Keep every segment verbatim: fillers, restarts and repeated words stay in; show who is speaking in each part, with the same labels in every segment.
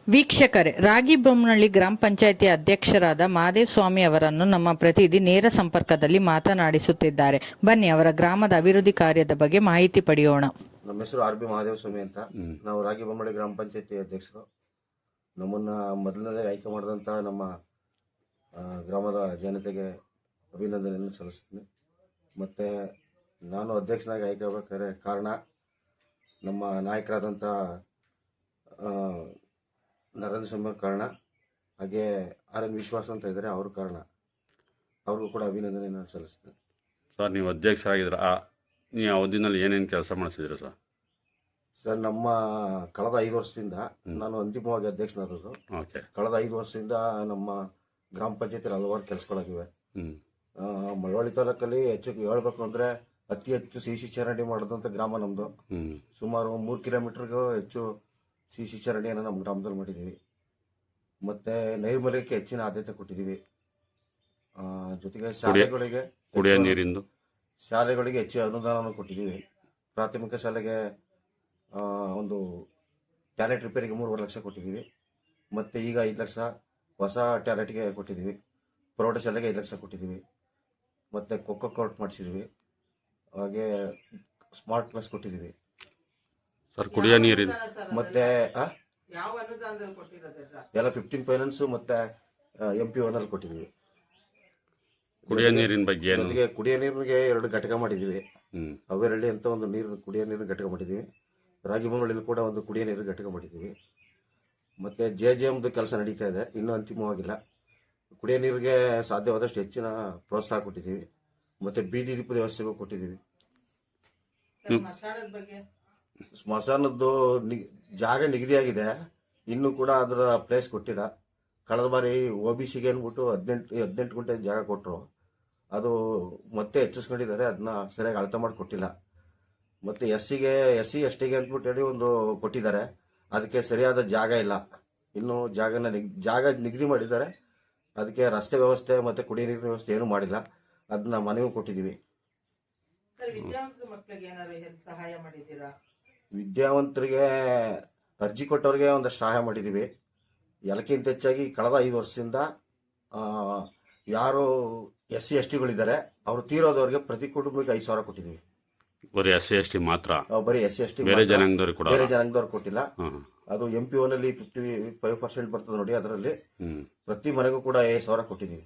Speaker 1: ವೀಕ್ಷಕರೇ, ರಾಗಿಬೊಮ್ಮನಹಳ್ಳಿ ಗ್ರಾಮ ಪಂಚಾಯಿತಿ ಅಧ್ಯಕ್ಷರಾದ ಮಹಾದೇವ ಸ್ವಾಮಿ ಅವರನ್ನು ನಮ್ಮ ಪ್ರತಿನಿಧಿ ನೇರ ಸಂಪರ್ಕದಲ್ಲಿ ಮಾತನಾಡಿಸುತ್ತಿದ್ದಾರೆ. ಬನ್ನಿ ಅವರ ಗ್ರಾಮದ ಅಭಿವೃದ್ಧಿ ಕಾರ್ಯದ ಬಗ್ಗೆ ಮಾಹಿತಿ ಪಡೆಯೋಣ.
Speaker 2: ನಮ್ಮ ಹೆಸರು ಆರ್ ಬಿ ಮಹಾದೇವ ಸ್ವಾಮಿ ಅಂತ. ನಾವು ರಾಗಿಬೊಮ್ಮನಹಳ್ಳಿ ಗ್ರಾಮ ಪಂಚಾಯಿತಿ ಅಧ್ಯಕ್ಷರು. ನಮ್ಮನ್ನ ಮೊದಲನೇ ಆಯ್ಕೆ ಮಾಡಿದಂಥ ನಮ್ಮ ಗ್ರಾಮದ ಜನತೆಗೆ ಅಭಿನಂದನೆಯನ್ನು ಸಲ್ಲಿಸ್ತೀನಿ. ಮತ್ತು ನಾನು ಅಧ್ಯಕ್ಷನಾಗಿ ಆಯ್ಕೆ ಆಗಬೇಕಾದ್ರೆ ಕಾರಣ ನಮ್ಮ ನಾಯಕರಾದಂಥ ನರೇಂದ್ರ ಸ್ವಾಮಿ ಕಾರಣ, ಹಾಗೆ ಆರ್ ಎನ್ ವಿಶ್ವಾಸ ಅಂತ ಇದ್ದಾರೆ, ಅವ್ರ ಕಾರಣ. ಅವ್ರಿಗೂ ಕೂಡ ಅಭಿನಂದನೆಯನ್ನು ಸಲ್ಲಿಸ್ತೀನಿ.
Speaker 3: ಸರ್, ನೀವು ಅಧ್ಯಕ್ಷರಾಗಿದ್ರ ನೀವು ಅವಧಿನಲ್ಲಿ ಏನೇನು ಕೆಲಸ ಮಾಡಿಸಿದ್ರಿ ಸರ್?
Speaker 2: ಸರ್, ನಮ್ಮ ಕಳೆದ ಐದು ವರ್ಷದಿಂದ ನಾನು ಅಂತಿಮವಾಗಿ ಅಧ್ಯಕ್ಷನಾದದ್ದು.
Speaker 3: ಓಕೆ.
Speaker 2: ಕಳೆದ ಐದು ವರ್ಷದಿಂದ ನಮ್ಮ ಗ್ರಾಮ ಪಂಚಾಯತಿಯಲ್ಲಿ ಹಲವಾರು ಕೆಲಸಗಳಾಗಿವೆ. ಮಳವಳ್ಳಿ ತಾಲೂಕಲ್ಲಿ ಹೆಚ್ಚು ಹೇಳ್ಬೇಕು ಅಂದರೆ ಅತಿ ಹೆಚ್ಚು ಸಿ ಸಿ ಚರಂಡಿ ಮಾಡಿದಂಥ ಗ್ರಾಮ ನಮ್ಮದು. ಸುಮಾರು ಮೂರು ಕಿಲೋಮೀಟರ್ಗೂ ಹೆಚ್ಚು ಸಿ ಸಿ ಚರಂಡಿಯನ್ನು ನಮ್ಮ ಗ್ರಾಮದಲ್ಲಿ ಮಾಡಿದ್ದೀವಿ. ಮತ್ತು ನೈರ್ಮಲ್ಯಕ್ಕೆ ಹೆಚ್ಚಿನ ಆದ್ಯತೆ ಕೊಟ್ಟಿದ್ದೀವಿ. ಜೊತೆಗೆ ಶಾಲೆಗಳಿಗೆ
Speaker 3: ಕುಡಿಯೋ ನೀರಿಂದು
Speaker 2: ಶಾಲೆಗಳಿಗೆ ಹೆಚ್ಚು ಅನುದಾನವನ್ನು ಕೊಟ್ಟಿದ್ದೀವಿ. ಪ್ರಾಥಮಿಕ ಶಾಲೆಗೆ ಒಂದು ಟ್ಯಾಲೆಂಟ್ ರಿಪೇರಿಗೆ ಮೂರುವರೆ ಲಕ್ಷ ಕೊಟ್ಟಿದ್ದೀವಿ. ಮತ್ತು ಈಗ ಐದು ಲಕ್ಷ ಹೊಸ ಟ್ಯಾಲೆಂಟ್ಗೆ ಕೊಟ್ಟಿದ್ದೀವಿ. ಪ್ರೌಢಶಾಲೆಗೆ ಐದು ಲಕ್ಷ ಕೊಟ್ಟಿದ್ದೀವಿ. ಮತ್ತು ಖೋಖೋ ಕೋರ್ಟ್ ಮಾಡಿಸಿದ್ದೀವಿ. ಹಾಗೆ ಸ್ಮಾರ್ಟ್ ಕ್ಲಾಸ್ ಕೊಟ್ಟಿದ್ದೀವಿ.
Speaker 3: ಸರ್, ಕುಡಿಯೋ ನೀರಿನ
Speaker 2: ಮತ್ತೆ ಎಲ್ಲ ಫಿಫ್ಟೀನ್ ಫೈನಾನ್ಸು ಮತ್ತು ಎಂ ಪಿ ಒನಲ್ಲಿ ಕೊಟ್ಟಿದ್ದೀವಿ.
Speaker 3: ಕುಡಿಯೋ ನೀರಿನ ಬಗ್ಗೆ
Speaker 2: ಜೊತೆಗೆ ಕುಡಿಯೋ ನೀರಿಗೆ ಎರಡು ಘಟಕ ಮಾಡಿದ್ದೀವಿ. ಅವೆರಳ್ಳಿ ಅಂತ ಒಂದು ನೀರು ಕುಡಿಯೋ ನೀರಿನ ಘಟಕ ಮಾಡಿದ್ದೀವಿ. ರಾಗಿಬೊಮ್ಮನಹಳ್ಳಿಯಲ್ಲಿ ಕೂಡ ಒಂದು ಕುಡಿಯೋ ನೀರಿನ ಘಟಕ ಮಾಡಿದ್ದೀವಿ. ಮತ್ತು ಜೆ ಜೆ ಎಮ್ದು ಕೆಲಸ ನಡೀತಾ ಇದೆ, ಇನ್ನೂ ಅಂತಿಮವಾಗಿಲ್ಲ. ಕುಡಿಯೋ ನೀರಿಗೆ ಸಾಧ್ಯವಾದಷ್ಟು ಹೆಚ್ಚಿನ ಪ್ರೋತ್ಸಾಹ ಕೊಟ್ಟಿದ್ದೀವಿ. ಮತ್ತು ಬೀದಿ ದೀಪದ ವ್ಯವಸ್ಥೆಗೂ ಕೊಟ್ಟಿದ್ದೀವಿ. ಸ್ಮಶಾನದ್ದು ಜಾಗ ನಿಗದಿಯಾಗಿದೆ, ಇನ್ನೂ ಕೂಡ ಅದರ ಪ್ಲೇಸ್ ಕೊಟ್ಟಿಲ್ಲ. ಕಳೆದ ಬಾರಿ ಒ ಬಿ ಸಿಗೆ ಅಂದ್ಬಿಟ್ಟು ಹದಿನೆಂಟು ಹದಿನೆಂಟು ಗುಂಟೆ ಜಾಗ ಕೊಟ್ಟರು. ಅದು ಮತ್ತೆ ಹೆಚ್ಚಿಸ್ಕೊಂಡಿದ್ದಾರೆ, ಅದನ್ನ ಸರಿಯಾಗಿ ಅಳತೆ ಮಾಡಿ ಕೊಟ್ಟಿಲ್ಲ. ಮತ್ತು ಎಸ್ ಸಿಗೆ ಎಸ್ ಸಿ ಎಸ್ ಟಿಗೆ ಅಂದ್ಬಿಟ್ಟು ಹೇಳಿ ಒಂದು ಕೊಟ್ಟಿದ್ದಾರೆ, ಅದಕ್ಕೆ ಸರಿಯಾದ ಜಾಗ ಇಲ್ಲ. ಇನ್ನೂ ಜಾಗನ ನಿಗ್ ಜಾಗ ನಿಗದಿ ಮಾಡಿದ್ದಾರೆ, ಅದಕ್ಕೆ ರಸ್ತೆ ವ್ಯವಸ್ಥೆ ಮತ್ತು ಕುಡಿಯ ನೀರಿನ ವ್ಯವಸ್ಥೆ ಏನೂ ಮಾಡಿಲ್ಲ. ಅದನ್ನ ಮನವಿ ಕೊಟ್ಟಿದ್ದೀವಿ. ವಿದ್ಯಾವಂತರಿಗೆ ಅರ್ಜಿ ಕೊಟ್ಟವ್ರಿಗೆ ಒಂದಷ್ಟು ಸಹಾಯ ಮಾಡಿದ್ದೀವಿ. ಎಲ್ಲಕ್ಕಿಂತ ಹೆಚ್ಚಾಗಿ ಕಳೆದ ಐದು ವರ್ಷದಿಂದ ಯಾರು ಎಸ್ ಸಿ ಎಸ್ ಟಿಗಳಿದ್ದಾರೆ ಅವರು ತೀರೋದವ್ರಿಗೆ ಪ್ರತಿ ಕುಟುಂಬಕ್ಕೆ ಐದು ಸಾವಿರ ಕೊಟ್ಟಿದ್ದೀವಿ.
Speaker 3: ಬರೀ ಎಸ್ ಸಿ ಎಸ್ ಟಿ ಮಾತ್ರ?
Speaker 2: ಬರೀ ಎಸ್ ಸಿ ಎಸ್ ಟಿ,
Speaker 3: ಬೇರೆ ಜನಾಂಗದವ್ರಿಗೆ
Speaker 2: ಬೇರೆ ಜನಾಂಗದವ್ರು ಕೊಟ್ಟಿಲ್ಲ. ಅದು ಎಂ ಪಿ ಒನಲ್ಲಿ ಫಿಫ್ಟಿ ಫೈವ್ ಪರ್ಸೆಂಟ್ ಬರ್ತದೆ ನೋಡಿ, ಅದರಲ್ಲಿ ಪ್ರತಿ ಮನೆಗೂ ಕೂಡ ಐದು ಸಾವಿರ ಕೊಟ್ಟಿದ್ದೀವಿ.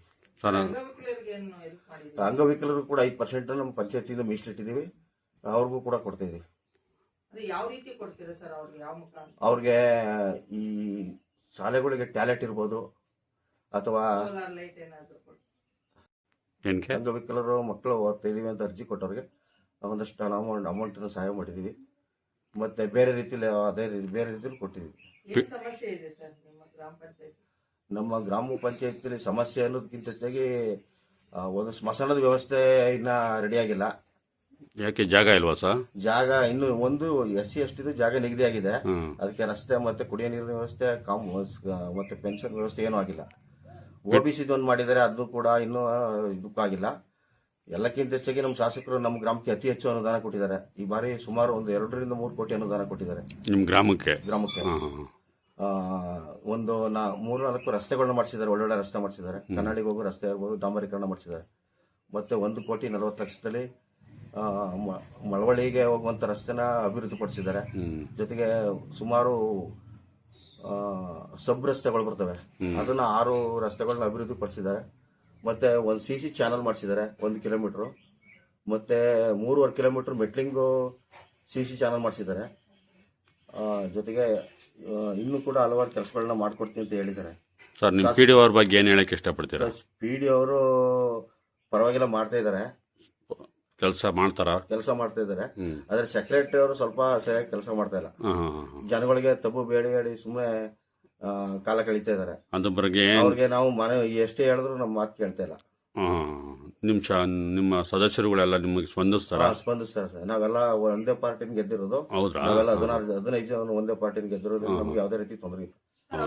Speaker 2: ಅಂಗವಿಕಲರು ಕೂಡ ಐದು ಪರ್ಸೆಂಟ್ ನಮ್ಮ ಪಂಚಾಯತಿಯಿಂದ ಮೀಸಲಿಟ್ಟಿದ್ದೀವಿ, ಅವ್ರಿಗೂ ಕೂಡ ಕೊಡ್ತಾ ಇದೀವಿ. ಅವ್ರಿಗೆ ಈ ಶಾಲೆಗಳಿಗೆ ಟ್ಯಾಲೆಂಟ್ ಇರ್ಬೋದು, ಅಥವಾ ಅಂಗವಿಕಲರು ಮಕ್ಕಳು ಓದ್ತಾ ಇದೀವಿ ಅಂತ ಅರ್ಜಿ ಕೊಟ್ಟವ್ರಿಗೆ ಒಂದಷ್ಟು ಹಣ ಅಮೌಂಟ್ ಅಮೌಂಟನ್ನು ಸಹಾಯ ಮಾಡಿದ್ದೀವಿ. ಮತ್ತೆ ಬೇರೆ ರೀತಿಯಲ್ಲಿ ಅದೇ ರೀತಿ ಬೇರೆ ರೀತಿಯಲ್ಲಿ ಕೊಟ್ಟಿದ್ದೀವಿ. ನಮ್ಮ ಗ್ರಾಮ ಪಂಚಾಯತಿಯಲ್ಲಿ ಸಮಸ್ಯೆ ಅನ್ನೋದಕ್ಕಿಂತ ಹೆಚ್ಚಾಗಿ ಒಂದು ಸ್ಮಶಾನದ ವ್ಯವಸ್ಥೆ ಇನ್ನ ರೆಡಿಯಾಗಿಲ್ಲ.
Speaker 3: ಯಾಕೆ ಜಾಗ ಇಲ್ವಾ ಸರ್? ಜಾಗ
Speaker 2: ಇನ್ನು ಒಂದು ಎಸ್ ಸಿ ಎಸ್ ಟಿದು ಜಾಗ ನಿಗದಿ ಆಗಿದೆ, ಅದಕ್ಕೆ ರಸ್ತೆ ಮತ್ತೆ ಕುಡಿಯೋ ನೀರಿನ ವ್ಯವಸ್ಥೆ ಕಾಮ್ ಮತ್ತೆ ಪೆನ್ಷನ್ ವ್ಯವಸ್ಥೆ ಏನೂ ಆಗಿಲ್ಲ. ಒ ಬಿ ಸಿ ಒಂದು ಮಾಡಿದ್ದಾರೆ, ಅದು ಕೂಡ ಇನ್ನೂ ಇದಕ್ಕೂ ಆಗಿಲ್ಲ. ಎಲ್ಲಕ್ಕಿಂತ ಹೆಚ್ಚಾಗಿ ನಮ್ಮ ಶಾಸಕರು ನಮ್ಮ ಗ್ರಾಮಕ್ಕೆ ಅತಿ ಹೆಚ್ಚು ಅನುದಾನ ಕೊಟ್ಟಿದ್ದಾರೆ. ಈ ಬಾರಿ ಸುಮಾರು ಒಂದು ಎರಡರಿಂದ ಮೂರು ಕೋಟಿ ಅನುದಾನ ಕೊಟ್ಟಿದ್ದಾರೆ
Speaker 3: ನಿಮ್ಮ ಗ್ರಾಮಕ್ಕೆ
Speaker 2: ಗ್ರಾಮಕ್ಕೆ ಒಂದು ನಾ ಮೂರು ನಾಲ್ಕು ರಸ್ತೆಗಳನ್ನ ಮಾಡಿಸಿದ್ದಾರೆ, ಒಳ್ಳೊಳ್ಳೆ ರಸ್ತೆ ಮಾಡಿಸಿದ್ದಾರೆ. ಕನ್ನಡಿಗೆ ಹೋಗೋ ರಸ್ತೆ ಇರ್ಬೋದು, ಡಾಂಬರೀಕರಣ ಮಾಡಿಸಿದ್ದಾರೆ. ಮತ್ತೆ ಒಂದು ಕೋಟಿ ನಲವತ್ತು ಲಕ್ಷದಲ್ಲಿ ಮಳವಳ್ಳಿಗೆ ಹೋಗುವಂತ ರಸ್ತೆನ ಅಭಿವೃದ್ಧಿಪಡಿಸಿದ್ದಾರೆ. ಜೊತೆಗೆ ಸುಮಾರು ಸಬ್ ರಸ್ತೆಗಳು ಬರ್ತವೆ, ಅದನ್ನ ಆರು ರಸ್ತೆಗಳನ್ನ ಅಭಿವೃದ್ಧಿಪಡಿಸಿದ್ದಾರೆ. ಮತ್ತೆ ಒಂದು ಸಿ ಸಿ ಚಾನಲ್ ಮಾಡಿಸಿದ್ದಾರೆ ಒಂದು ಕಿಲೋಮೀಟರ್. ಮತ್ತೆ ಮೂರುವರೆ kilometre metalling C C channel ಮಾಡಿಸಿದ್ದಾರೆ. ಜೊತೆಗೆ ಇನ್ನೂ ಕೂಡ ಹಲವಾರು ಕೆಲಸಗಳನ್ನ ಮಾಡ್ಕೊಡ್ತೀನಿ ಅಂತ ಹೇಳಿದ್ದಾರೆ.
Speaker 3: ಸರ್, ನಿಮ್ಮ ಪಿ ಡಿ ಅವ್ರ ಬಗ್ಗೆ ಏನು ಹೇಳಕ್ಕೆ ಇಷ್ಟಪಡ್ತೀರಾ?
Speaker 2: ಪಿ ಡಿ ಅವರು ಪರವಾಗಿಲ್ಲ ಮಾಡ್ತಾ ಇದ್ದಾರೆ,
Speaker 3: ಕೆಲಸ ಮಾಡ್ತಾರ
Speaker 2: ಕೆಲಸ ಮಾಡ್ತಾ ಇದ್ದಾರೆ. ಆದ್ರೆ ಸೆಕ್ರೆಟರಿ ಅವರು ಸ್ವಲ್ಪ ಸರಿಯಾಗಿ ಕೆಲಸ ಮಾಡ್ತಾ ಇಲ್ಲ. ಜನಗಳಿಗೆ ತಪ್ಪು ಬೇಡಿ ಹೇಳಿ ಸುಮ್ಮನೆ ಕಾಲ ಕಳೀತಾ ಇದ್ದಾರೆ.
Speaker 3: ಅದ್ರ ಬಗ್ಗೆ
Speaker 2: ಅವ್ರಿಗೆ ನಾವು ಮನೆ ಎಷ್ಟೇ ಹೇಳಿದ್ರು ನಮ್ಮ ಮಾತು ಕೇಳ್ತಾ ಇಲ್ಲ.
Speaker 3: ನಿಮ್ ನಿಮ್ಮ ಸದಸ್ಯರುಗಳೆಲ್ಲ ನಿಮಗೆ ಸ್ಪಂದಿಸ್ತಾರ?
Speaker 2: ಸ್ಪಂದಿಸ್ತಾರೆ ಸರ್. ನಾವೆಲ್ಲ ಒಂದೇ ಪಾರ್ಟಿನ ಗೆದ್ದಿರೋದು. ನಾವೆಲ್ಲ ಹದಿನಾರು ಹದಿನೈದು ಜನ ಒಂದೇ ಪಾರ್ಟಿನ ಗೆದ್ದಿರೋದು. ನಮ್ಗೆ ಯಾವುದೇ ರೀತಿ ತೊಂದರೆ ಇಲ್ಲ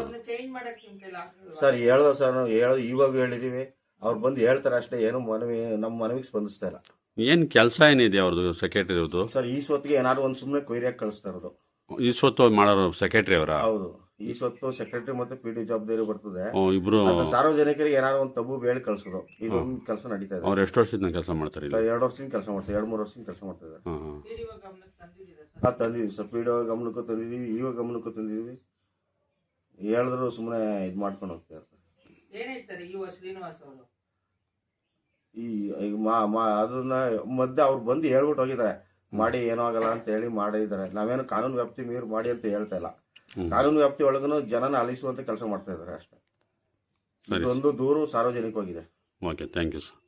Speaker 2: ಸರ್. ಹೇಳಿದ್ರು ಸರ್, ನಾವು ಹೇಳೋದು ಇವಾಗ ಹೇಳಿದೀವಿ, ಅವ್ರು ಬಂದು ಹೇಳ್ತಾರೆ ಅಷ್ಟೇ, ಏನು ಮನವಿ ನಮ್ಮ ಮನವಿಗೆ ಸ್ಪಂದಿಸ್ತಾ ಇಲ್ಲ.
Speaker 3: ಏನ್ ಕೆಲಸ ಏನಿದೆ ಅವ್ರದ್ದು ಸೆಕ್ರೆಟರಿ ಅವ್ರದ್ದು?
Speaker 2: ಸರ್, ಈ ಸೊತ್ತಿಗೆ ಏನಾದ್ರು ಒಂದು ಸುಮ್ಮನೆ ಕೊಯ್ರಿಯಾಗಿ ಕಳಿಸ್ತಾ ಇರೋದು.
Speaker 3: ಈ ಸ್ವತ್ತು ಮಾಡೋರು ಸೆಕ್ರೆಟರಿ ಅವರ?
Speaker 2: ಹೌದು. ಈ ಸ್ವತ್ತು ಸೆಕ್ರೆಟರಿ ಮತ್ತೆ ಪಿ ಡಿ ಜವಾಬ್ದಾರಿ ಬರ್ತದೆ.
Speaker 3: ಓ ಇಬ್ರು
Speaker 2: ಅದು ಸಾರ್ವಜನಿಕರಿಗೆ ಏನಾದ್ರು ಒಂದು ತಬ್ಬು ಬೇಳೆ ಕಳ್ಸೋದು ಇದೊಂದು ಕೆಲಸ ನಡೀತಾ ಇದೆ.
Speaker 3: ಅವ್ರು ಎಷ್ಟು ವರ್ಷದಿಂದ ಕೆಲಸ ಮಾಡ್ತಾರೆ ಇಲ್ಲಿ?
Speaker 2: ಎರಡು ವರ್ಷದಿಂದ ಕೆಲಸ ಮಾಡ್ತಾರೆ, ಎರಡು ಮೂರು ವರ್ಷದಿಂದ ಕೆಲಸ ಮಾಡ್ತಾ ಇದ್ದಾರೆ.
Speaker 3: ಹಾಂ ಹಾಂ
Speaker 2: ಹಾ ತಂದಿದೀವಿ ಸರ್, ಪಿ ಡಿ ಒ ಗಮನಕ್ಕೂ ತಂದಿದೀವಿ, ಇವ ಗಮನಕ್ಕೂ ತಂದಿದೀವಿ. ಹೇಳಿದ್ರು ಸುಮ್ಮನೆ ಇದು ಮಾಡ್ಕೊಂಡು ಹೋಗ್ತಾ ಇರ್ತಾರೆ. ಈ ಈಗ ಮಾ ಮಾ ಅದನ್ನ ಮಧ್ಯೆ ಅವ್ರು ಬಂದು ಹೇಳ್ಬಿಟ್ಟು ಹೋಗಿದ್ದಾರೆ, ಮಾಡಿ ಏನೋ ಆಗಲ್ಲ ಅಂತ ಹೇಳಿ ಮಾಡಿದ್ದಾರೆ. ನಾವೇನು ಕಾನೂನು ವ್ಯಾಪ್ತಿ ಮೀರಿ ಮಾಡಿ ಅಂತ ಹೇಳ್ತಾ ಇಲ್ಲ. ಕಾನೂನು ವ್ಯಾಪ್ತಿ ಒಳಗೂ ಜನನ ಅಲಿಸುವಂತ ಕೆಲಸ ಮಾಡ್ತಾ ಇದ್ದಾರೆ ಅಷ್ಟೇ. ಇದೊಂದು ದೂರು ಸಾರ್ವಜನಿಕವಾಗಿದೆ.
Speaker 3: Okay, thank you sir.